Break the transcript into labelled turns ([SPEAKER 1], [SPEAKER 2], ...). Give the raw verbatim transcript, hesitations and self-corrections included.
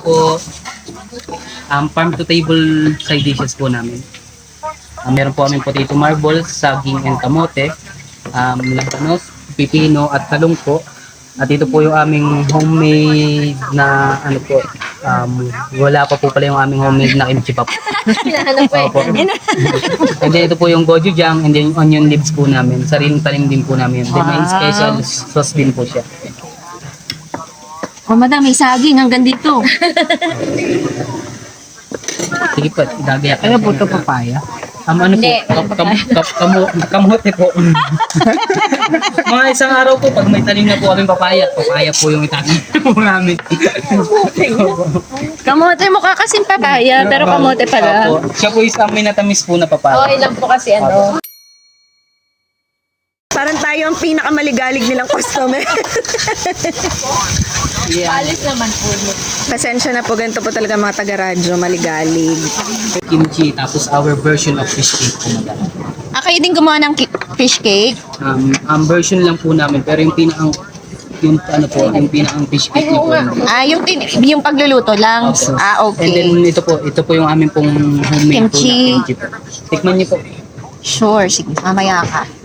[SPEAKER 1] po, um, farm to table side dishes po namin. Uh, meron po aming potato marbles, saging and kamote, um, labanos, pipino at talong po. At ito po yung aming homemade na ano po, um, wala pa po pala yung aming homemade na kimchi pa po.
[SPEAKER 2] Hinahanap po
[SPEAKER 1] Opo. And then ito po yung gochujang and then yung onion leaves po namin. Sariling tanim din po namin. Then may
[SPEAKER 2] Wow.
[SPEAKER 1] special sauce din po siya.
[SPEAKER 2] Oh, madam, may saging hanggang dito.
[SPEAKER 1] Sige po, idagayak.
[SPEAKER 3] Ano po ito, papaya?
[SPEAKER 1] Um, ano po,
[SPEAKER 2] Hindi,
[SPEAKER 1] kam, kam, kam, kamu, kamote po. Mga isang araw po, pag may tanim na po kaming papaya, papaya po yung itanim po namin.
[SPEAKER 2] Kamote mo kasing papaya, pero kamote pala.
[SPEAKER 1] Opo. Siya po isang may natamis po na papaya.
[SPEAKER 2] Okay lang po kasi ano.
[SPEAKER 4] Parang tayo ang pinakamaligalig nilang customer.
[SPEAKER 1] Yeah.
[SPEAKER 2] Alis naman po.
[SPEAKER 4] Pasensya na po, ganito po talaga mga taga-radyo, maligalig.
[SPEAKER 1] Kimchi, tapos our version of fish cake po madam.
[SPEAKER 2] Ah, kayo din gumawa ng ki- fish cake?
[SPEAKER 1] Um, ang version lang po namin, pero yung pinakang yung ano po, yung pinakang fish cake niyo po. hindi.
[SPEAKER 2] Ah, yung, tin- yung pagluluto lang?
[SPEAKER 1] Opo.
[SPEAKER 2] Ah,
[SPEAKER 1] And then
[SPEAKER 2] okay.
[SPEAKER 1] ito po, ito po yung aming pong homemade
[SPEAKER 2] Kimchi.
[SPEAKER 1] po na kimchi po. Tikman niyo po.
[SPEAKER 2] Sure, sige, mamaya ka.